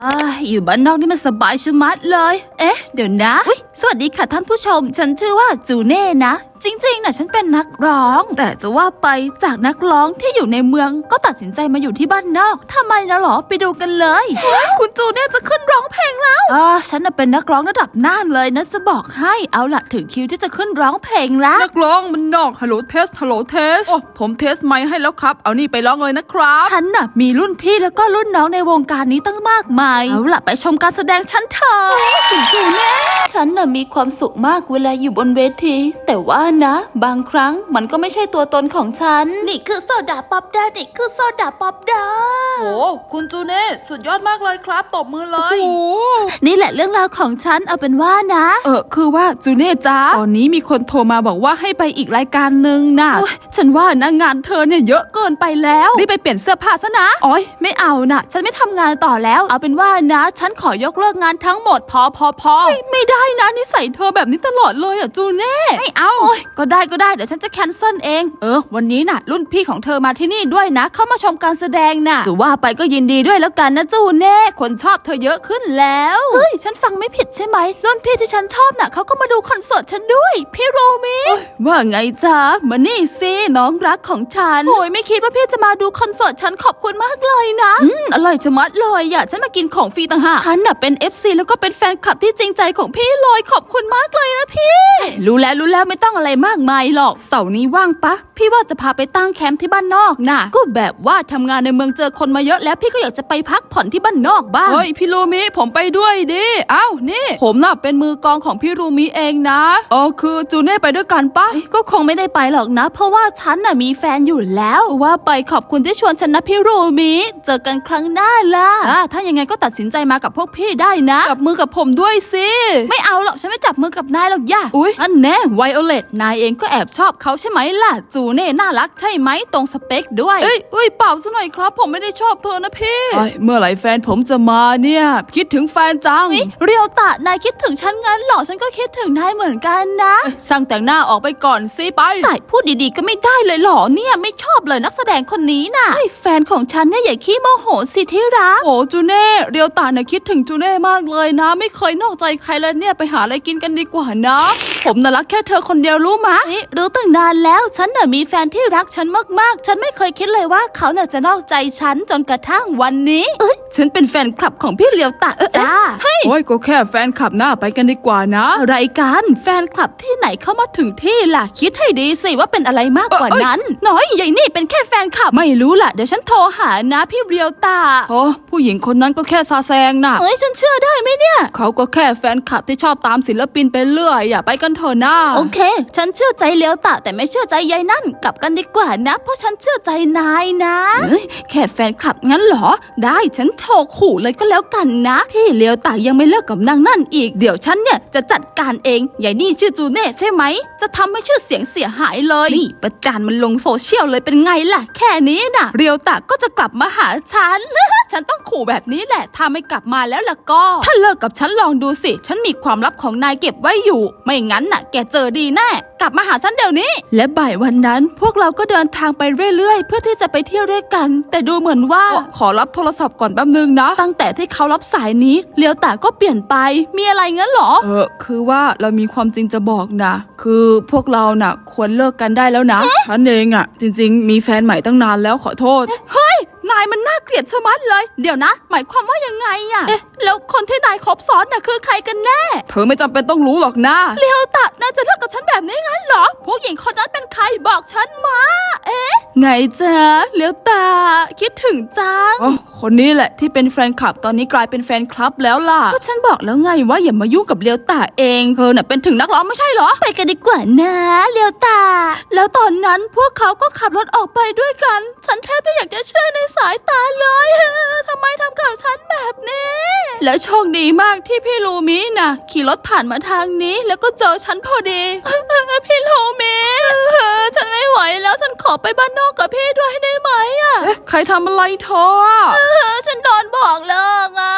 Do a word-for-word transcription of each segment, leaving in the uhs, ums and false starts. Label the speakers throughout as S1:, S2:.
S1: อ่าอยู่บ้านนอกนี่มันสบายชะมัดเลยเอ๊ะเดี๋ยวนะอุ๊ยสวัสดีค่ะท่านผู้ชมฉันชื่อว่าจูเน่นะจริงๆนะฉันเป็นนักร้องแต่จะว่าไปจากนักร้องที่อยู่ในเมืองก็ตัดสินใจมาอยู่ที่บ้านนอกทำไมนะหรอไปดูกันเลยคุณจูเน่จะขึ้นร้องเพลงแล้วอ่าฉันน่ะเป็นนักร้องระดับน่านเลยนะจะบอกให้เอาล่ะถึงคิวที่จะขึ้นร้องเพลงแล้ว
S2: นักร้องมันนอกฮัลโหลเทสฮัลโหลเทสโอ้ผมเทสไมค์ให้แล้วครับเอานี่ไปร้องเลยนะครับ
S1: ฉันน่ะมีรุ่นพี่แล้วก็รุ่นน้องในวงการนี้ตั้งมากมายเอาล่ะไปชมการแสดงฉันเถอะคุณจูเน่ฉันน่ะมีความสุขมากเวลาอยู่บนเวทีแต่ว่านะบางครั้งมันก็ไม่ใช่ตัวตนของฉันนี่คือโซดาป๊อปดานี่คือโซดาป๊อปดา
S2: โอ้คุณจูเน่สุดยอดมากเลยครับตบมือเลยโอ้
S1: นี่แหละเรื่องราวของฉันเอาเป็นว่านะ
S2: เออคือว่าจูเน่จ้าตอนนี้มีคนโทรมาบอกว่าให้ไปอีกรายการหนึ่งนะ
S1: ฉันว่านะงานเธอเนี่ยเยอะเกินไปแล้ว
S2: รีบไปเปลี่ยนเสื้อผ้าซะนะ
S1: อ๋อยไม่เอานะฉันไม่ทำงานต่อแล้วเอาเป็นว่านะฉันขอยกเลิกงานทั้งหมดพอพอพอ
S2: ไม่ไม่ได้นะนิสัยเธอแบบนี้ตลอดเลยอ่ะจูเน่
S1: ไม่เอาโอ้ยก็ได้ก็ได้เดี๋ยวฉันจะแคนเซิลเองเออวันนี้น่ะรุ่นพี่ของเธอมาที่นี่ด้วยนะเข้ามาชมการแสดงน่ะจะว่าไปก็ยินดีด้วยแล้วกันนะจูเน่คนชอบเธอเยอะขึ้นแล้วเฮ้ยฉันฟังไม่ผิดใช่ไหมรุ่นพี่ที่ฉันชอบน่ะเขาก็มาดูคอนเสิร์ตฉันด้วยพี่โรมิ
S2: ว่าไงจ๊ะมานี่สิน้องรักของฉัน
S1: โอ้ยไม่คิดว่าพี่จะมาดูคอนเสิร์ตฉันขอบคุณมากเลยนะ
S2: อืมอร่อยชะมัดเลยอ่ะฉันมากินของฟรีต่างหาก
S1: ฉันน่ะเป็น เอฟ ซี แล้วก็เป็นแฟนคลับที่จริงใจของพี่เลยขอบคุณมากเลยนะพี่รู้แล้วรู้แล้วไม่ต้องอะไรมากมายหรอกเสาร์นี้ว่างปะพี่ว่าจะพาไปตั้งแคมป์ที่บ้านนอกน่ะก็แบบว่าทำงานในเมืองเจอคนมาเยอะแล้วพี่ก็อยากจะไปพักผ่อนที่บ้านนอกบ้าง
S2: เฮ้ยพี่รูมิผมไปด้วยดิอ้าวนี่ผมน่ะเป็นมือกลองของพี่รูมิเองนะอ๋อคือจูเน่ไปด้วยกันปะ
S1: ก็คงไม่ได้ไปหรอกนะเพราะว่าฉันน่ะมีแฟนอยู่แล้วว่าไปขอบคุณที่ชวนฉันนะพี่รูมิเจอกันครั้งหน้าล่ะถ้ายังไงก็ตัดสินใจมากับพวกพี่ได้นะ
S2: จับมือกับผมด้วยสิ
S1: ไม่เอาหรอกฉันไม่จับมือกับนายหรอกย่า
S2: อุ๊ย
S1: อันแน่ไวโอเลตนายเองก็แอบชอบเขาใช่ไหมล่ะจูเน่น่ารักใช่ไหมตรงสเปคด้วย
S2: เอ้ยเอ้ยเปล่าซะหน่อยครับผมไม่ได้ชอบเธอนะพี่เมื่อไหร่แฟนผมจะมาเนี่ยคิดถึงแฟนจัง
S1: เรียวตะนายคิดถึงฉันงั้นหรอฉันก็คิดถึงนายเหมือนกันนะ
S2: ช่างแต่งหน้าออกไปก่อนสิไป
S1: แต่พูดดีๆก็ไม่ได้เลยหรอเนี่ยไม่ชอบเลยนักแสดงคนนี้น่ะแฟนของฉันเนี่ยอย่าขี้โมโหสิที่รัก
S2: โอ้จูเน่เรียวตะเนี่ยคิดถึงจูเน่มากเลยนะไม่เคยนอกใจใครเลยเนี่ยไปหาอะไรกินกันดีกว่านะผมน่ะรักแค่เธอคนเดียวรู้มะ
S1: รู้ตั้งนานแล้วฉันน่ะมีแฟนที่รักฉันมากๆฉันไม่เคยคิดเลยว่าเขาน่ะจะนอกใจฉันจนกระทั่งวันนี้
S2: เอ้ยฉันเป็นแฟนคลับของพี่เลียวตะเออ
S1: จ้า
S2: เฮ้ยโอ้ยก็แค่แฟนคลับหน้าไปกันดีกว่านะ
S1: อะไรกันแฟนคลับที่ไหนเข้ามาถึงที่ล่ะคิดให้ดีสิว่าเป็นอะไรมากกว่านั้นน้อยใหญ่นี่เป็นแค่แฟนคลับไม่รู้ล่ะเดี๋ยวฉันโทรหานะพี่เลียวตะ
S2: โอ้ผู้หญิงคนนั้นก็แค่ซาแซงน่ะ
S1: เฮ้ยฉันเชื่อได้ไหมเนี่ย
S2: เขาก็แค่แฟนคลับที่ชอบตามศิลปินไปเรื่อยอย่าไปกันเถอะนะ
S1: โอเคฉันเชื่อใจเลียวตะแต่ไม่เชื่อใจยายนั่นกลับกันดีกว่านะเพราะฉันเชื่อใจนายนะแค่แฟนคลับงั้นเหรอได้ฉันโทรขู่เลยก็แล้วกันนะพี่เลียวตะยังไม่เลิกกับนางนั่นอีกเดี๋ยวฉันเนี่ยจะจัดการเองยายนี่ชื่อจูเน่ใช่ไหมจะทำให้ชื่อเสียงเสียหายเลยนี่ประจานมันลงโซเชียลเลยเป็นไงล่ะแค่นี้น่ะเลียวตะก็จะกลับมาหาฉัน ฉันต้องขู่แบบนี้แหละถ้าไม่กลับมาแล้วล่ะก็ถ้าเลิกกับฉันลองดูสิฉันมีความลับของนายเก็บไว้อยู่ไม่งั้นน่ะแกเจอดีแน่กลับมาหาฉันเดี๋ยวนี้และบ่ายวันนั้นพวกเราก็เดินทางไปเรื่อยๆเพื่อที่จะไปเที่ยวด้วยกันแต่ดูเหมือนว่า
S2: ขอรับโทรศัพท์ก่อนแป๊บนึงนะ
S1: ตั้งแต่ที่เขารับสายนี้เลียวตาก็เปลี่ยนไปมีอะไรงั้นหรอ
S2: เออคือว่าเรามีความจริงจะบอกนะคือพวกเราน่ะควรเลิกกันได้แล้วนะฉันเองอ่ะจริงๆมีแฟนใหม่ตั้งนานแล้วขอโทษ
S1: เฮ้ยนายมันน่าเกลียดชะมัดเลยเดี๋ยวนะหมายความว่ายังไงอ่ะเอ๊ะแล้วคนที่นายคบซ้อนน่ะคือใครกันแน่
S2: เธอไม่จำเป็นต้องรู้หรอกนะ
S1: เลียวตานายจะเลิกกับฉันแบบนี้งั้นเหรอผู้หญิงคนนั้นเป็นใครบอกฉันมาเอ๊ะไงจ๊ะเลียวตาคิดถึงจัง
S2: อ๋อคนนี้แหละที่เป็นแฟนคลับตอนนี้กลายเป็นแฟนคลับแล้วล่ะ
S1: ก็ฉันบอกแล้วไงว่าอย่ามายุ่งกับเลียวตาเองเธอน่ะเป็นถึงนักร้องไม่ใช่เหรอไปกันดีกว่านะเลียวตาแล้วตอนนั้นพวกเขาก็ขับรถออกไปด้วยกันฉันแทบไม่อยากจะเชื่อในสายตาเลยทำไมทำกับฉันแบบนี้แล้วโชคดีมากที่พี่ลูมิน่ะขี่รถผ่านมาทางนี้แล้วก็เจอฉันพอดีพี่ลูมิฉันไม่ไหวแล้วฉันขอไปบ้านนอกกับพี่ด้วยได้ไหมอ่ะ
S2: เอ๊ะใครทำอะไรเธอ
S1: ฉันโดนบอกเลิกอ่ะ
S2: พี่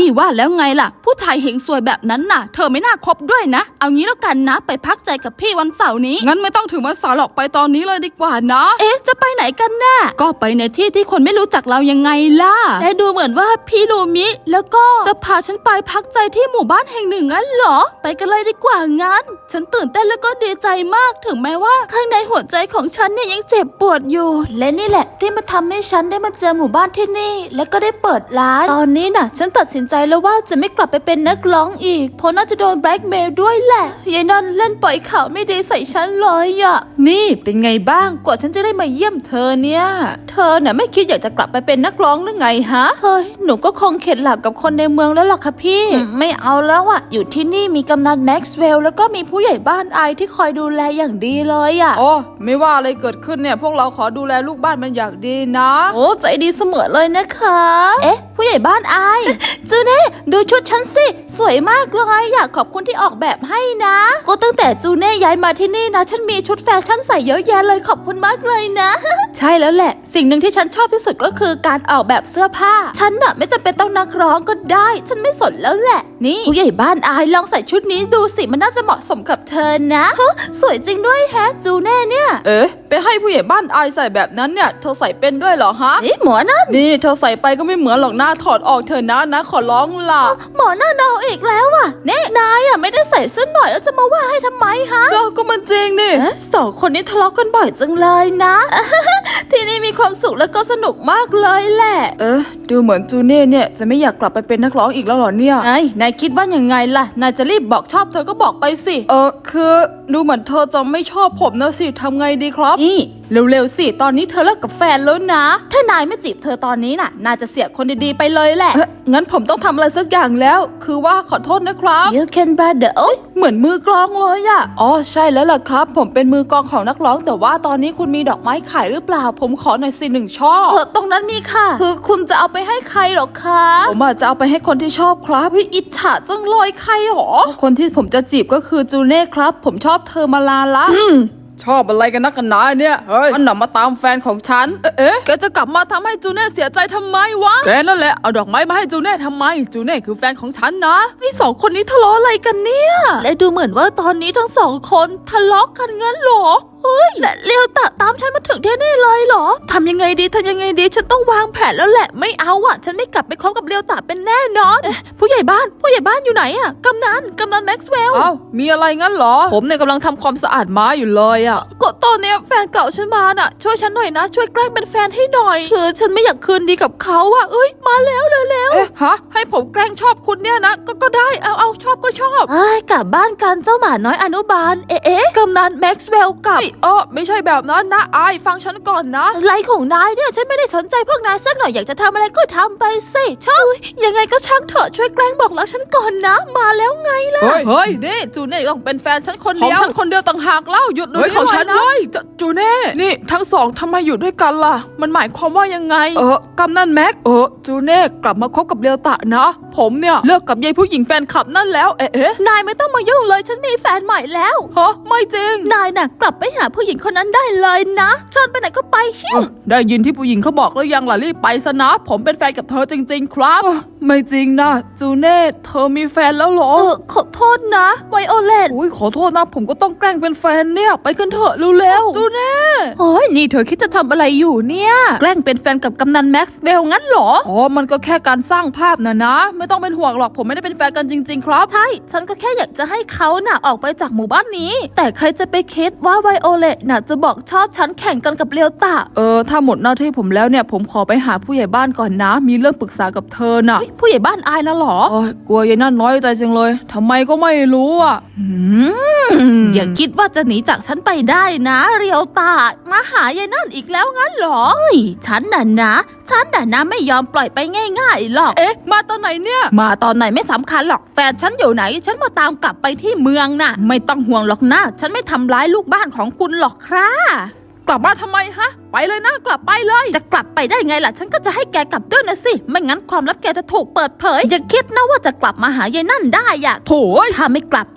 S1: ว่าแล้วไงล่ะผู้ชายเฮงซวยแบบนั้นน่ะเธอไม่น่าคบด้วยนะเอางี้แล้วกันนะไปพักใจกับพี่วันเสาร์นี้
S2: งั้นไม่ต้องถึงวันเสาร์หรอกไปตอนนี้เลยดีกว่านะ
S1: เอ๊ะจะไปไหนกันน่ะก็ไปในที่ที่คนไม่รู้จักเรายังไงล่ะและดูเหมือนว่าพี่ลูมิแล้วก็จะพาฉันไปพักใจที่หมู่บ้านแห่งหนึ่งงั้นเหรอไปกันเลยดีกว่างั้นฉันตื่นเต้นแล้วก็ดีใจมากถึงแม้ว่าข้างในหัวใจของฉันเนี่ยยังเจ็บปวดอยู่และนี่แหละที่มาทำให้ฉันได้มาเจอหมู่บ้านที่นี่และก็ได้เปิดร้านตอนนี้น่ะฉันตัดสินใจแล้วว่าจะไม่กลับไปเป็นนักร้องอีกเพราะน่าจะโดนแบล็กเมลด้วยแหละยายนันเล่นปล่อยข่าวไม่ดีใส่ฉันเลยอะนี่เป็นไงบ้างกว่าฉันจะได้มาเยี่ยมเธอเนี่ยเธอน่ะไม่คิดอยากจะกลับไปเป็นนักร้องหรือไงฮะเฮ้ยหนูก็คงเข็ดหลับกับคนในเมืองแล้วล่ะค่ะพี่ไม่เอาแล้วอะอยู่ที่นี่มีกำนันแม็กซ์เวลล์แล้วก็มีผู้ใหญ่บ้านไอที่คอยดูแลอย่างดีเลยอะ
S2: โอ้ไม่ว่าอะไรเกิดขึ้นเนี่ยพวกเราขอดูแลลูกบ้านมันอย่างดีนะ
S1: โอ้ใจดีเสมอเลยนะคะเอ๊ะผู้ใหญ่บ้านไอจูเน่ดูชุดฉันสิสวยมากเลยอยากขอบคุณที่ออกแบบให้นะก็ตั้งแต่จูเน่ย้ายมาที่นี่นะฉันมีชุดแฟชั่นใส่เยอะแยะเลยขอบคุณมากเลยนะ ใช่แล้วแหละสิ่งหนึ่งที่ฉันชอบที่สุดก็คือการออกแบบเสื้อผ้าฉันน่ะไม่จำเป็นต้องนักร้องก็ได้ฉันไม่สนแล้วแหละนี่ผู้ใหญ่บ้านไอลองใส่ชุดนี้ดูสิมันน่าจะเหมาะสมกับเธอนะฮะสวยจริงด้วยแฮะจูเน่เนี่ย
S2: เอ๊ะไปให้ผู้ใหญ่บ้านอายใส่แบบนั้นเนี่ยเธอใส่เป็นด้วยเหรอฮะ
S1: เอ๊ะหมอนั่น
S2: นี่เธอใส่ไปก็ไม่เหมือนหรอกหน้าถอดออกเธอะนะนะขอร้องล่ะ
S1: หมอนั่นเอาอีกแล้วอ่ะเน่นายอ่ะไม่ได้ใส่เสื้อหน่อยแล้วจะมาว่าให้ทำไมฮะ
S2: ก็ก็มันจริงนี่
S1: เอ๊ะสองคนนี้ทะเลาะกันบ่อยจังเลยนะ ที่นี่มีความสุขแล้วก็สนุกมากเลยแหละ
S2: เอ๊ะดูเหมือนจูเน่เนี่ยจะไม่อยากกลับไปเป็นนักร้องอีกแล้วเหรอเนี่ย
S1: ไงนายคิดว่ายังไงล่ะนายจะรีบบอกชอบเธอก็บอกไปสิ
S2: เออคือดูเหมือนเธอจะไม่ชอบผมนะสิทำไงดีครับ
S1: นี่เร็วๆสิตอนนี้เธอเลิกกับแฟนแล้วนะ ถ้านายไม่จีบเธอตอนนี้น่ะนายจะเสียคนดีๆไปเลยแหละ
S2: เอ๊ะงั้นผมต้องทำอะไรสักอย่างแล้ว คือว่าขอโทษนะครับ
S1: You can brother โอ๊ยเหมือนมือกลองเลยอะ
S2: อ๋อใช่แล้วล่ะครับ ผมเป็นมือกลองของนักร้องแต่ว่าตอนนี้คุณมีดอกไม้ขายหรือเปล่า ผมขอหน่อยสิหนึ่งช่อ
S1: เออตรงนั้นมีค่ะ คือคุณจะเอาไปให้ใครหรอคะ
S2: ผมอาจจะเอาไปให้คนที่ชอบครับ
S1: เฮ้ยอิจฉาจังเลยใครหรอ
S2: คนที่ผมจะจีบก็คือจูเน่ครับ ผมชอบเธอมานานละชอบอะไรกันนักกันหนาเนี่ยเฮ้ยมันหนำมาตามแฟนของฉัน เอ๊ะเอ๊ะแกจะกลับมาทำให้จูเน่เสียใจทำไมวะแกนั่นแหละเอาดอกไม้มาให้จูเน่ทำไมจูเน่คือแฟนของฉันนะ
S1: ไอ้สองคนนี้ทะเลาะอะไรกันเนี่ย และดูเหมือนว่าตอนนี้ทั้งสองคนทะเลาะกันงั้นเหรอ เฮ้ย และเลียวตะตามฉันมาถึงที่นี่เลยเหรอทำยังไงดีทำยังไงดี ฉันต้องวางแผนแล้วแหละ ไม่เอาอ่ะ ฉันไม่กลับไปคบกับเลียวตะเป็นแน่นอนเอ๊ะผู้ใหญ่บ้าน ผู้ใหญ่บ้านอยู่ไหนอ่ะกำนันกำนันแม็กซ์เวลล์
S2: เอ้ามีอะไรงั้นเหรอ ผมเนี่ยกำลังทำความสะอาดม้าอยู่เลยอะ
S1: ก็ตอนเนี้ยแฟนเก่าฉันมาน่ะ ช่วยฉันหน่อยนะ ช่วยแกล้งเป็นแฟนให้หน่อย คือฉันไม่อยากคืนดีกับเขาอ่ะเอ้ย มาแล้วเร็ว
S2: เอ๊ะฮะให้ผมแกล้งชอบคุณเนี่ยนะก็ก็ได้เอาเอาชอบก็ชอบ
S1: เอ้ยกลับบ้านกันเจ้าหมาน้อยอนุบาล เอ๊ะเอ๊ะกำนันแม็กซ์เวลล์กับ
S2: เอ้ยเออไม่ใช่แบบนั้นนะอายฟังฉันก่อนนะ
S1: อะไรของนายเนี่ยฉันไม่ได้สนใจพวกนายสักหน่อยอยากจะทำอะไรก็ทำไปสิชอบยังไงก็ช่างเถอะช่วยแกล้งบอกรักฉันก่อนนะ มาแล้วไงล่ะ
S2: เฮ้ยเฮ้ยนี่จูเน่ต้องเป็นแฟนฉันคนเดียวของฉันคนเดียวต่างหากเล่าหยุด
S1: เฮ้ยของฉัน
S2: เล
S1: ด้วย
S2: จะจูเน่นี่ทั้งสองทำไมอยู่ด้วยกันล่ะ มันหมายความว่ายังไง เออกำนันแม็กเออจูเน่กลับมาคบกับเลียวตะนะ ผมเนี่ยเลิกกับยายผู้หญิงแฟนคลับนั่นแล้วเอ๊ะเอ๊ะ
S1: นายไม่ต้องมายุ่งเลยฉันมีแฟนใหม่แล้ว
S2: ฮะไม่จริง
S1: นายน่ะกลับไปหาผู้หญิงคนนั้นได้เลยนะชวนไปไหนก็ไปชิว
S2: ได้ยินที่ผู้หญิงเขาบอกแล้วยังล่ะรีบไปซะนะ ผมเป็นแฟนกับเธอจริง ๆ ครับ ไม่จริงนะจูเน่เธอมีแฟนแล้วเหรอ
S1: เออขอโทษนะไวโอเลต
S2: อุ้ยขอโทษนะผมก็ต้องแกล้งเป็นแฟนเนี่ยไปกันเถอะเร็วๆจูเน่
S1: โอ้ยนี่เธอคิดจะทำอะไรอยู่เนี่ยแกล้งเป็นแฟนกับกำนันแม็กซ์เวลงั้นเหรอ
S2: อ๋อมันก็แค่การสร้างภาพนะนะ ไม่ต้องเป็นห่วงหรอกผมไม่ได้เป็นแฟนกันจริง ๆ ครับ
S1: ใช่ ฉันก็แค่อยากจะให้เขาน่ะออกไปจากหมู่บ้านนี้ แต่ใครจะไปคิดว่าไวโอเลตน่ะจะบอกชอบฉันแข่งกันกับเลียวตะ
S2: เออถ้าหมดหน้าที่ผมแล้วเนี่ยผมขอไปหาผู้ใหญ่บ้านก่อนนะ มีเรื่องปรึกษากับเธอน่ะ
S1: เฮ้ยผู้ใหญ่บ้านอายนะเหรอ
S2: โอ้ยกลัวยายนั่นน้อยใจจังเลยทำไมก็ไม่รู้อ่ะ
S1: อืมอย่าคิดว่าจะหนีจากฉันไปได้นะเรียวตามาหายายนั่นอีกแล้วงั้นเหรอเฮ้ยฉันน่ะนะฉันน่ะนะไม่ยอมปล่อยไปง่ายๆหรอก
S2: เอ๊ะมาตอนไหนเนี่ย
S1: มาตอนไหนไม่สำคัญหรอกแฟนฉันอยู่ไหน ฉันมาตามกลับไปที่เมืองน่ะ ไม่ต้องห่วงหรอกนะฉันไม่ทำร้ายลูกบ้านของคุณหรอกครับ
S2: กลับมาทำไมฮะ ไปเลยนะกลับไปเลย
S1: จะกลับไปได้ไงล่ะ ฉันก็จะให้แกกลับด้วยนะสิไม่งั้นความลับแกจะถูกเปิดเผยอย่าคิดนะว่าจะกลับมาหายายนั่นได้อะ
S2: โถย
S1: ถ้าไม่กลับนะ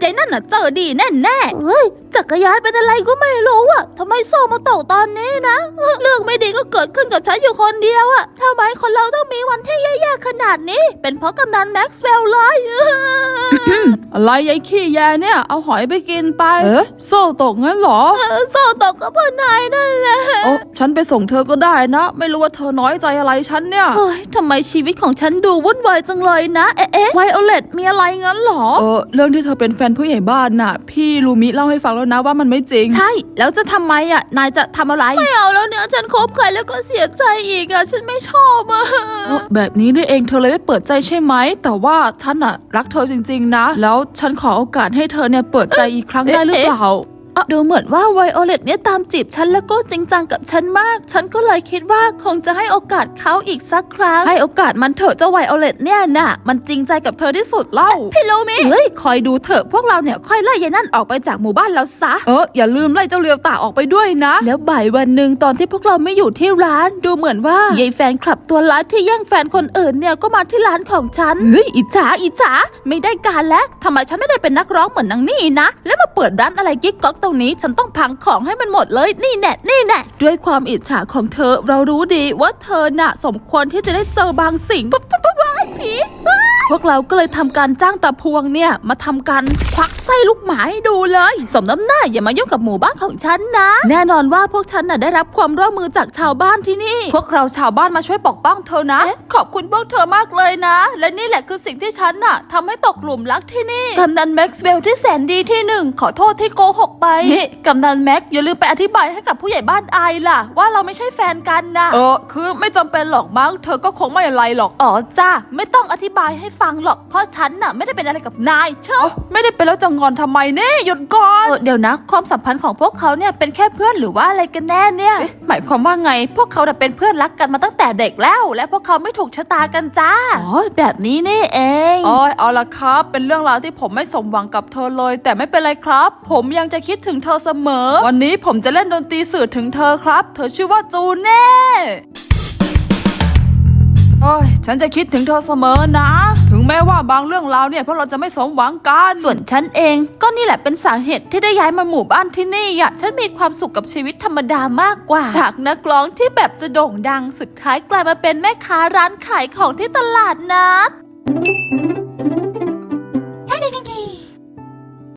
S1: ใจนั่นน่ะเจอดีแน่แน่เอ้ยจักรยานเป็นอะไรก็ไม่รู้อะทำไมโซ่มาตกตอนนี้นะเรื่องไม่ดีก็เกิดขึ้นกับฉันอยู่คนเดียวอะทำไมคนเราต้องมีวันที่แย่ๆขนาดนี้เป็นเพราะกำนันแม็กซ์เวลล์เลย
S2: อะไรยายขี้แยเนี่ยเอาหอยไปกินไปเอ๊ะโซ่ตกงั้นเหรอ
S1: โซ่ตกก็เพราะนายนั่นแหละ
S2: โอ้ฉันไปส่งเธอก็ได้นะไม่รู้ว่าเธอน้อยใจอะไรฉันเนี่ย
S1: เฮ้ยทำไมชีวิตของฉันดูวุ่นวายจังเลยนะเอ๊ะเอ๊ะไวโอเลตมีอะไรงั้นเหรอ
S2: เออเรื่องที่เธอเป็นแฟนผู้ใหญ่บ้านน่ะพี่ลูมิเล่าให้ฟังแล้วนะว่ามันไม่จริง
S1: ใช่แล้วจะทำไมอ่ะนายจะทำอะไรไม่เอาแล้วเนี่ยฉันคบใครแล้วก็เสียใจอีกอ่ะฉันไม่ชอบอ่ะ
S2: เออแบบนี้นี่เองเธอเลยไม่เปิดใจใช่ไหมแต่ว่าฉันอะรักเธอจริงๆนะแล้วฉันขอโอกาสให้เธอเนี่ยเปิดใจอีกครั้งได้หรือเปล่า
S1: ดูเหมือนว่าไวโอเลตเนี่ยตามจีบฉันแล้วก็จริงจังกับฉันมากฉันก็เลยคิดว่าคงจะให้โอกาสเขาอีกสักครั้งให้โอกาสมันเถอะเจ้าไวโอเลตเนี่ยน่ะมันจริงใจกับเธอที่สุดเล่าพี่ลูมิเฮ้ยคอยดูเถอะพวกเราเนี่ยค่อยไล่ยายนั่นออกไปจากหมู่บ้านแล้วซะ
S2: เอออย่าลืมไล่เจ้าเลียวตาออกไปด้วยนะ
S1: แล้วบ่ายวันหนึ่งตอนที่พวกเราไม่อยู่ที่ร้านดูเหมือนว่ายายแฟนคลับตัวร้ายที่แย่งแฟนคนอื่นเนี่ยก็มาที่ร้านของฉันเฮ้ยอิจฉาอิจฉาไม่ได้การแล้วทำไมฉันไม่ได้เป็นนักร้องเหมือนนางนี่นะแล้วมาเปิดร้านอะไรกิ๊กก๊อกตรงนี้ฉันต้องพังของให้มันหมดเลยนี่แน่นี่แน่ด้วยความอิจฉาของเธอเรารู้ดีว่าเธอน่ะสมควรที่จะได้เจอบางสิ่งปุ๊บปุ๊บปุ๊บผีพวกเราก็เลยทำการจ้างตาพวงเนี่ยมาทำการควักไส้ลูกหมาให้ดูเลยสมน้ำหน้าอย่ามายุ่งกับหมู่บ้านของฉันนะแน่นอนว่าพวกฉันน่ะได้รับความร่วมมือจากชาวบ้านที่นี่พวกเราชาวบ้านมาช่วยปกป้องเธอนะขอบคุณพวกเธอมากเลยนะและนี่แหละคือสิ่งที่ฉันน่ะทำให้ตกหลุมรักที่นี่กำนันแม็กซ์เวลล์ที่แสนดีที่หนึ่งขอโทษที่โกหกไปกำนันแม็กอย่าลืมไปอธิบายให้กับผู้ใหญ่บ้านอายล่ะว่าเราไม่ใช่แฟนกันนะ
S2: เออคือไม่จำเป็นหรอกมั้งเธอก็คงไม่อะไรหรอก
S1: อ๋อจ้าไม่ต้องอธิบายให้ฟังหรอกเพราะฉันน่ะไม่ได้เป็นอะไรกับนายเชื่อ
S2: ไม่ได้เป็นแล้วจะงอนทำไมเนี่ยหยุดก่อน
S1: เดี๋ยวนะความสัมพันธ์ของพวกเขาเนี่ยเป็นแค่เพื่อนหรือว่าอะไรกันแน่เนี่ย
S2: หมายความว่าไง
S1: พวกเขาเป็นเพื่อนรักกันมาตั้งแต่เด็กแล้วและพวกเขาไม่ถูกชะตากันจ้าอ๋อแบบนี้นี่เอง
S2: อ๋อเอาละครับเป็นเรื่องราวที่ผมไม่สมหวังกับเธอเลยแต่ไม่เป็นไรครับผมยังจะคิดถึงเธอเสมอวันนี้ผมจะเล่นดนตรีสื่อถึงเธอครับเธอชื่อว่าจูเน่โอ้ยฉันจะคิดถึงเธอเสมอนะถึงแม้ว่าบางเรื่องราวเนี่ยพวกเราจะไม่สมหวังกัน
S1: ส่วนฉันเองก็นี่แหละเป็นสาเหตุที่ได้ย้ายมาหมู่บ้านที่นี่อ่ะฉันมีความสุขกับชีวิตธรรมดามากกว่าจากนักร้องที่แบบจะโด่งดังสุดท้ายกลายมาเป็นแม่ค้าร้านขายของที่ตลาดนัด